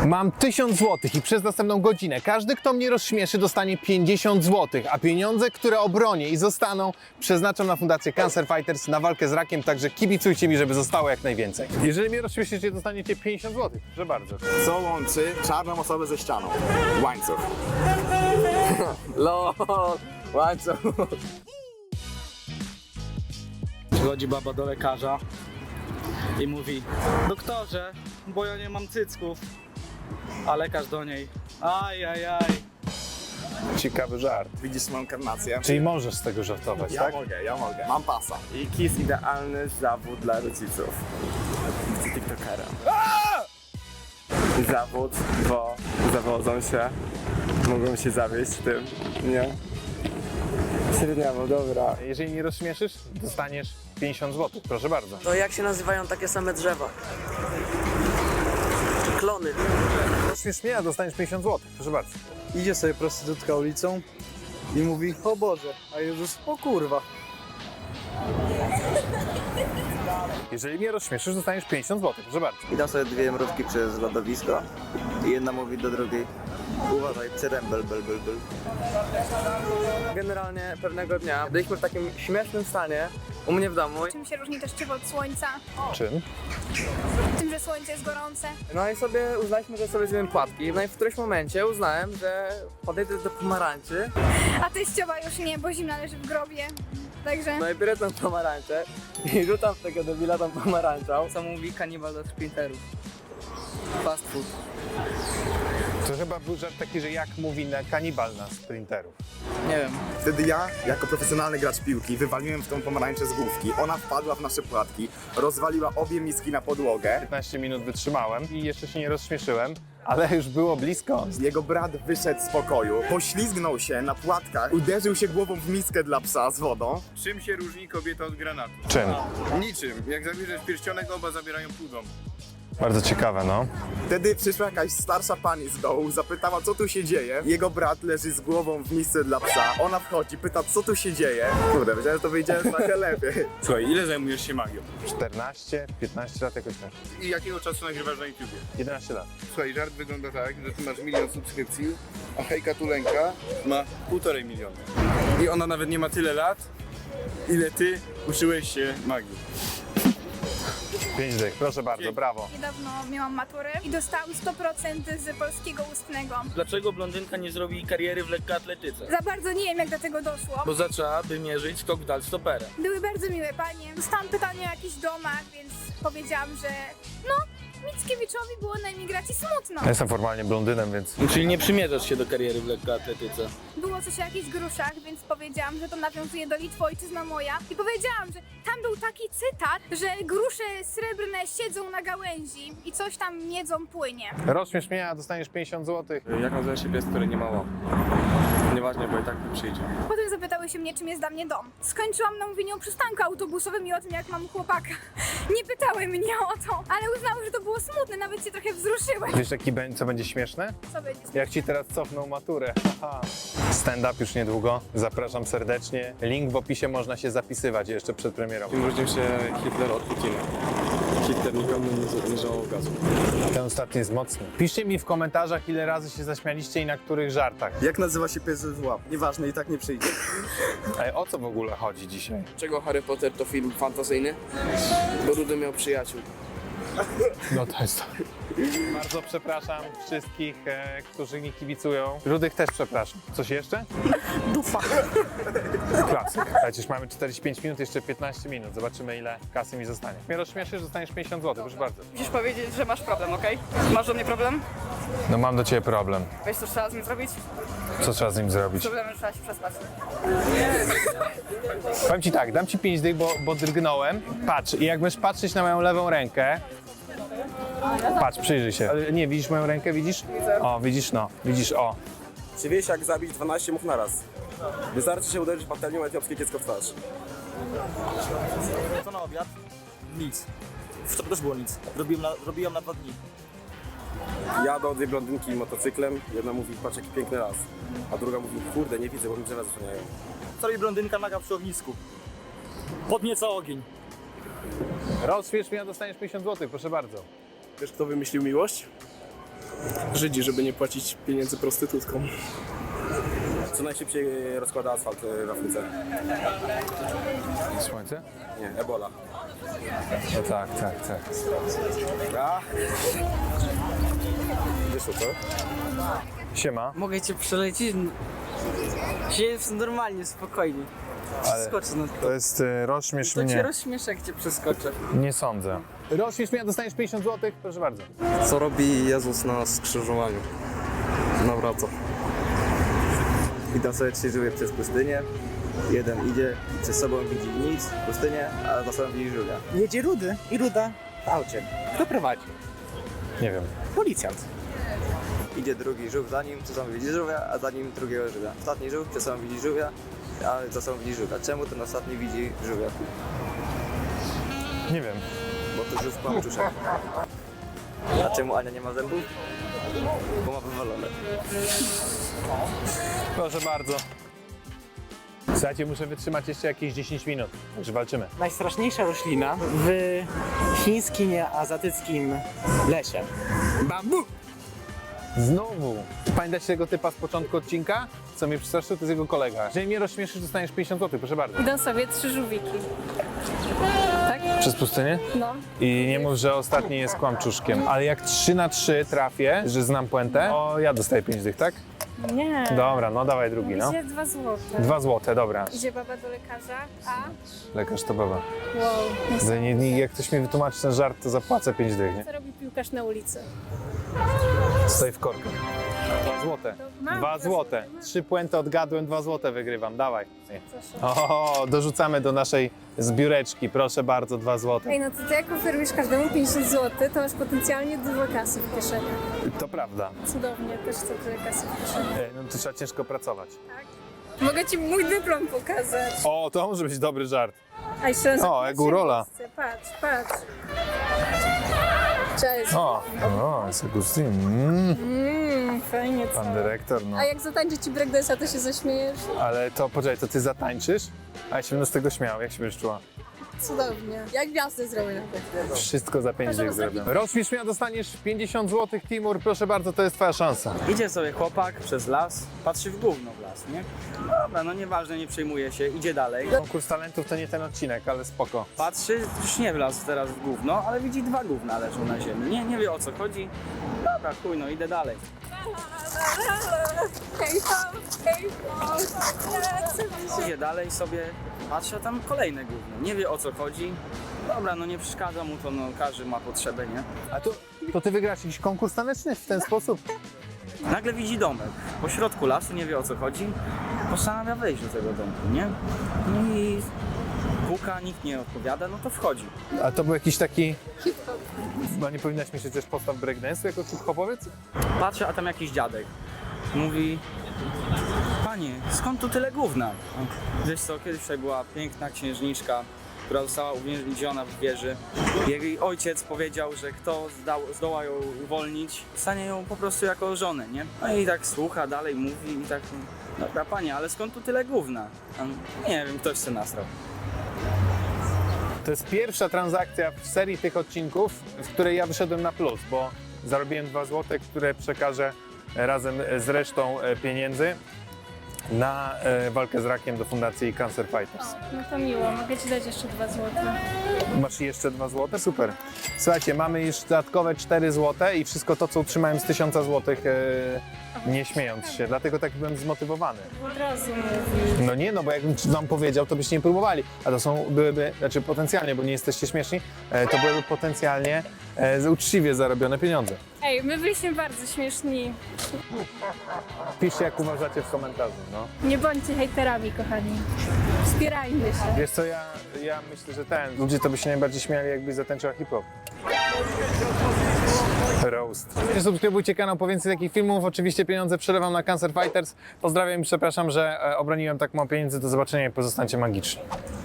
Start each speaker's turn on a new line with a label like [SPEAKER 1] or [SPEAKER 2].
[SPEAKER 1] Mam 1000 zł i przez następną godzinę każdy, kto mnie rozśmieszy, dostanie 50 zł, a pieniądze, które obronię i zostaną, przeznaczam na Fundację Cancer Fighters, na walkę z rakiem, także kibicujcie mi, żeby zostało jak najwięcej. Jeżeli mnie rozśmieszycie, dostaniecie 50 zł. Proszę bardzo.
[SPEAKER 2] Co łączy czarną osobę ze ścianą? Łańcuch.
[SPEAKER 3] LOL, łańcuch. Przychodzi baba do lekarza i mówi: doktorze, bo ja nie mam cycków. A lekarz do niej: ajajaj.
[SPEAKER 1] Ciekawy żart.
[SPEAKER 2] Widzisz moją karnację?
[SPEAKER 1] Czyli możesz z tego żartować,
[SPEAKER 2] Ja
[SPEAKER 1] tak?
[SPEAKER 2] mogę. Mam pasa.
[SPEAKER 4] Jaki jest idealny zawód dla rodziców? Chcę tiktokera. Zawód, bo zawodzą się, mogą się zawieść tym, nie? Średniawo, dobra.
[SPEAKER 1] Jeżeli mnie rozśmieszysz, dostaniesz 50 zł. Proszę bardzo.
[SPEAKER 5] To jak się nazywają takie same drzewa? Klony.
[SPEAKER 1] Rozśmiesz mnie, a dostaniesz 50 zł. Proszę bardzo.
[SPEAKER 3] Idzie sobie prostytutka ulicą i mówi: o Boże, a Jezus: o kurwa.
[SPEAKER 1] Jeżeli mnie rozśmieszysz, dostaniesz 50 zł. Proszę bardzo.
[SPEAKER 6] Idą sobie dwie mrówki przez lodowisko i jedna mówi do drugiej: uważaj, przerębel, bel.
[SPEAKER 5] Generalnie pewnego dnia byliśmy w takim śmiesznym stanie u mnie w domu.
[SPEAKER 7] Czym się różni deszczywo od słońca?
[SPEAKER 1] Czym?
[SPEAKER 7] Tym, że słońce jest gorące.
[SPEAKER 5] No i sobie uznaliśmy, że sobie zjemy płatki. No i w którymś momencie uznałem, że podejdę do pomarańczy.
[SPEAKER 7] A teściowa już nie, bo zimna leży w grobie. Także
[SPEAKER 5] No i biorę tą pomarańczę i rzucam w tego debila tą pomarańczą. Co mówi kanibal do sprinterów. Fast food.
[SPEAKER 1] To chyba był żart taki, że jak mówi na kanibal na sprinterów.
[SPEAKER 5] Nie wiem.
[SPEAKER 2] Wtedy ja, jako profesjonalny gracz piłki, wywaliłem w tą pomarańczę z główki. Ona wpadła w nasze płatki, rozwaliła obie miski na podłogę.
[SPEAKER 1] 15 minut wytrzymałem i jeszcze się nie rozśmieszyłem, ale już było blisko.
[SPEAKER 2] Jego brat wyszedł z pokoju, poślizgnął się na płatkach, uderzył się głową w miskę dla psa z wodą.
[SPEAKER 8] Czym się różni kobieta od granatu?
[SPEAKER 1] Czym?
[SPEAKER 8] Niczym. Jak zabierzesz pierścionek, oba zabierają pół domu.
[SPEAKER 1] Bardzo ciekawe, no.
[SPEAKER 2] Wtedy przyszła jakaś starsza pani z dołu, zapytała, co tu się dzieje. Jego brat leży z głową w misce dla psa. Ona wchodzi, pyta, co tu się dzieje. Kurde, wiedziałem, że to wyjdzie trochę lepiej.
[SPEAKER 8] Słuchaj, ile zajmujesz się magią?
[SPEAKER 1] 14, 15 lat jakoś tak.
[SPEAKER 8] I jakiego czasu nagrywasz na YouTubie?
[SPEAKER 1] 11 lat.
[SPEAKER 8] Słuchaj, żart wygląda tak, że ty masz 1 000 000 subskrypcji, a Hejka Tulenka ma 1,5 miliona. I ona nawet nie ma tyle lat, ile ty uczyłeś się magii.
[SPEAKER 1] 5 dych, proszę bardzo, brawo.
[SPEAKER 7] niedawno miałam maturę i dostałam 100% z polskiego ustnego.
[SPEAKER 3] Dlaczego blondynka nie zrobi kariery w lekkoatletyce?
[SPEAKER 7] Za bardzo nie wiem, jak do tego doszło.
[SPEAKER 3] Bo zaczęłaby mierzyć skok w dal stoperem.
[SPEAKER 7] Były bardzo miłe panie. Dostałam pytanie o jakichś domach, więc powiedziałam, że no, Mickiewiczowi było na emigracji smutno.
[SPEAKER 1] Ja jestem formalnie blondynem, więc...
[SPEAKER 3] Czyli nie przymierzasz się do kariery w lekkoatletyce.
[SPEAKER 7] Było coś o jakichś gruszach, więc powiedziałam, że to nawiązuje do Litwy, ojczyzna moja. I powiedziałam, że tam był taki cytat, że grusze srebrne siedzą na gałęzi i coś tam jedzą płynie.
[SPEAKER 1] Rozśmiesz mnie, a dostaniesz 50 zł.
[SPEAKER 4] Jak nazywa się pies, który nie ma łap? Nieważne, bo i tak nie przyjdzie.
[SPEAKER 7] Potem zapytały się mnie, czym jest dla mnie dom. Skończyłam na mówieniu o przystanku autobusowym i o tym, jak mam chłopaka. Nie pytały mnie o to, ale uznały, że to było smutne, nawet się trochę wzruszyłem.
[SPEAKER 1] Wiesz, co będzie śmieszne?
[SPEAKER 7] Co będzie?
[SPEAKER 1] Jak ci teraz cofną maturę. Haha. Stand-up już niedługo. Zapraszam serdecznie. Link w opisie, można się zapisywać jeszcze przed premierą.
[SPEAKER 4] Tym różnił się Hitler od Putina. Hitler nikomu nie żałował gazu.
[SPEAKER 1] Ten ostatni jest mocny. Piszcie mi w komentarzach, ile razy się zaśmialiście i na których żartach.
[SPEAKER 6] Jak nazywa się pies w łap? Nieważne, i tak nie przyjdzie.
[SPEAKER 1] Ej, o co w ogóle chodzi dzisiaj?
[SPEAKER 5] Czego Harry Potter to film fantazyjny? Bo Rudy miał przyjaciół.
[SPEAKER 1] No to jest to. Bardzo przepraszam wszystkich, którzy mi kibicują. Rudych też przepraszam. Coś jeszcze? Dufa. Klasyk. Przecież mamy 45 minut, jeszcze 15 minut. Zobaczymy, ile kasy mi zostanie. Mnie rozśmieszysz, dostaniesz 50 zł, proszę bardzo.
[SPEAKER 9] Musisz powiedzieć, że masz problem, okej? Masz do mnie problem?
[SPEAKER 1] No mam do ciebie problem.
[SPEAKER 9] Wiesz, co trzeba z nim zrobić?
[SPEAKER 1] Co trzeba z nim zrobić?
[SPEAKER 9] Problemem trzeba się przespać.
[SPEAKER 1] Powiem ci tak, dam ci 5 dych, bo drgnąłem. Patrz, i jak będziesz patrzeć na moją lewą rękę. Patrz, przyjrzyj się. Ale nie, widzisz moją rękę, widzisz? O, widzisz, no. Widzisz, o.
[SPEAKER 4] Czy wiesz, jak zabić 12 much naraz? Wystarczy się uderzyć patelnią etiopskie kiecko w twarz.
[SPEAKER 6] Co na obiad? Nic. Wczoraj też było nic. Robiłam na 2 dni.
[SPEAKER 4] Jadą dwie blondynki motocyklem, jedna mówi, patrz jaki piękny las, a druga mówi, kurde, nie widzę, bo mi drzewa zasłaniają.
[SPEAKER 6] Co robi blondynka naga przy ognisku? Podnieca ogień.
[SPEAKER 1] Rozśmiesz mnie, a dostaniesz 50 zł, proszę bardzo.
[SPEAKER 4] Wiesz, kto wymyślił miłość?
[SPEAKER 10] Żydzi, żeby nie płacić pieniędzy prostytutkom.
[SPEAKER 4] Co najszybciej rozkłada asfalt w Afryce?
[SPEAKER 1] Słońce?
[SPEAKER 4] Nie, Ebola.
[SPEAKER 1] No tak.
[SPEAKER 4] A? Wyszło, co?
[SPEAKER 1] Siema.
[SPEAKER 5] Mogę cię przelecieć? Jest normalnie, spokojnie. Przeskoczę na to.
[SPEAKER 1] To jest rozśmiesz
[SPEAKER 5] To cię
[SPEAKER 1] mnie.
[SPEAKER 5] rozśmieszę, jak cię przeskoczę.
[SPEAKER 1] Nie sądzę. Rozśmiesz mnie, dostaniesz 50 zł, proszę bardzo.
[SPEAKER 4] Co robi Jezus na skrzyżowaniu? Nawraca.
[SPEAKER 6] Idą sobie 3 żółwie przez pustynię. Jeden idzie i przed sobą widzi nic, pustynię, a za sobą widzi żółwia.
[SPEAKER 11] Jedzie Rudy i Ruda w aucie. Kto prowadzi?
[SPEAKER 1] Nie wiem.
[SPEAKER 11] Policjant.
[SPEAKER 6] Idzie drugi żółw za nim, przed sobą widzi żółwia, a za nim drugiego żółwia. Ostatni żółw przed sobą widzi żółwia, a za sobą widzi żółwia. Czemu ten ostatni widzi żółwia?
[SPEAKER 1] Nie wiem.
[SPEAKER 6] Bo to żółw kłamczuszek. A czemu Ania nie ma zębów? Bo ma wywalone.
[SPEAKER 1] Proszę bardzo. Słuchajcie, muszę wytrzymać jeszcze jakieś 10 minut, także walczymy.
[SPEAKER 11] Najstraszniejsza roślina w chińskim, azjatyckim lesie. Bambu!
[SPEAKER 1] Znowu. Pamiętacie tego typa z początku odcinka? Co mnie przestraszył, to jest jego kolega. Jeżeli mnie rozśmieszysz, dostaniesz 50 zł, proszę bardzo.
[SPEAKER 7] Idą sobie 3 żółwiki. Tak?
[SPEAKER 1] Przez pustynię?
[SPEAKER 7] No.
[SPEAKER 1] I nie mów, że ostatni jest kłamczuszkiem. Ale jak 3 na 3 trafię, że znam puentę, to ja dostaję 5 dych, tak?
[SPEAKER 7] Nie.
[SPEAKER 1] Dobra, no dawaj drugi, no.
[SPEAKER 7] Idzie 2 złote.
[SPEAKER 1] 2 złote, dobra.
[SPEAKER 7] Idzie baba do lekarza, a...
[SPEAKER 1] Lekarz to baba.
[SPEAKER 7] Wow.
[SPEAKER 1] Jak ktoś mi wytłumaczy ten żart, to zapłacę 5 dych, nie?
[SPEAKER 7] Co robi piłkarz na ulicy?
[SPEAKER 1] Stoi w korku. 2 złote.
[SPEAKER 7] mam
[SPEAKER 1] 2
[SPEAKER 7] dwa
[SPEAKER 1] złote.
[SPEAKER 7] złote.
[SPEAKER 1] 3 puenty odgadłem, 2 złote wygrywam. Dawaj.
[SPEAKER 7] Proszę.
[SPEAKER 1] O, dorzucamy do naszej zbióreczki. Proszę bardzo, 2 złote.
[SPEAKER 7] Ej, no to ty jak oferujesz każdemu 50 zł, to masz potencjalnie dużo kasy w kieszeni.
[SPEAKER 1] To prawda.
[SPEAKER 7] Cudownie, też chcę tyle kasy w kieszeni.
[SPEAKER 1] No to trzeba ciężko pracować.
[SPEAKER 7] Mogę ci mój dyplom pokazać.
[SPEAKER 1] O, to może być dobry żart.
[SPEAKER 7] A jeszcze raz.
[SPEAKER 1] O, jak u Rola.
[SPEAKER 7] Patrz, patrz. Cześć.
[SPEAKER 1] O, jest Agustin.
[SPEAKER 7] Fajnie, co?
[SPEAKER 1] Pan dyrektor, no.
[SPEAKER 7] A jak zatańczy ci breakdance'a, to się zaśmiejesz?
[SPEAKER 1] Ale to, poczekaj, to ty zatańczysz? A ja się będę z tego śmiał. Jak się będziesz czuła?
[SPEAKER 7] Cudownie. Jak gwiazdy zrobię nawet.
[SPEAKER 1] Wszystko za 5 dych zrobię. Rozśmiesz mnie, a dostaniesz 50 zł, Timur. Proszę bardzo, to jest twoja szansa.
[SPEAKER 3] Idzie sobie chłopak przez las, patrzy w gówno w las, nie? Dobra, no nieważne, nie przejmuje się, idzie dalej.
[SPEAKER 1] Konkurs talentów to nie ten odcinek, ale spoko.
[SPEAKER 3] Patrzy, już nie wlazł teraz w gówno, ale widzi 2 gówna leżą na ziemi. Nie wie o co chodzi. Dobra, chuj, no idę dalej.
[SPEAKER 7] Hej tam, hej tam.
[SPEAKER 3] Idzie dalej sobie, patrzy, a tam kolejne gówno. Nie wie o co chodzi. Dobra, no nie przeszkadza mu to, no każdy ma potrzebę, nie?
[SPEAKER 1] A to ty wygrasz jakiś konkurs taneczny w ten sposób?
[SPEAKER 3] Nagle widzi domek po środku lasu, nie wie o co chodzi. Postanawia wejść do tego domku, nie? No i puka, nikt nie odpowiada, no to wchodzi.
[SPEAKER 1] A to był jakiś taki... Chyba nie powinnaś mieć też postaw breakdance'u jako hip-hopowiec?
[SPEAKER 3] Patrzy, a tam jakiś dziadek. Mówi: panie, skąd tu tyle gówna? Wiesz co, kiedyś tutaj była piękna księżniczka, która została uwięziona w wieży. Jej ojciec powiedział, że kto zdoła ją uwolnić, stanie ją po prostu jako żonę, nie? No i tak słucha, dalej mówi i tak: dobra panie, ale skąd tu tyle gówna? Nie wiem, ktoś się nasrał.
[SPEAKER 1] To jest pierwsza transakcja w serii tych odcinków, w której ja wyszedłem na plus, bo zarobiłem 2 zł, które przekażę razem z resztą pieniędzy na walkę z rakiem do fundacji Cancer Fighters.
[SPEAKER 7] No to miło, mogę ci dać jeszcze 2 złote.
[SPEAKER 1] Masz jeszcze 2 zł? Super. Słuchajcie, mamy już dodatkowe 4 zł i wszystko to, co utrzymałem z 1000 zł, nie śmiejąc się. Dlatego tak byłem zmotywowany.
[SPEAKER 7] Od razu mówisz.
[SPEAKER 1] No nie, no bo jakbym wam powiedział, to byście nie próbowali. A to byłyby, znaczy potencjalnie, bo nie jesteście śmieszni, to byłyby potencjalnie uczciwie zarobione pieniądze.
[SPEAKER 7] Ej, my byliśmy bardzo śmieszni.
[SPEAKER 1] Piszcie, jak uważacie w komentarzu, no.
[SPEAKER 7] Nie bądźcie hejterami, kochani. Wspierajmy się.
[SPEAKER 1] Wiesz co, ja myślę, że ludzie to by się najbardziej śmiali, jakbyś zatańczyła hip-hop. Roast. Subskrybujcie kanał po więcej takich filmów. Oczywiście pieniądze przelewam na Cancer Fighters. Pozdrawiam i przepraszam, że obroniłem tak mało pieniędzy. Do zobaczenia i pozostańcie magiczni.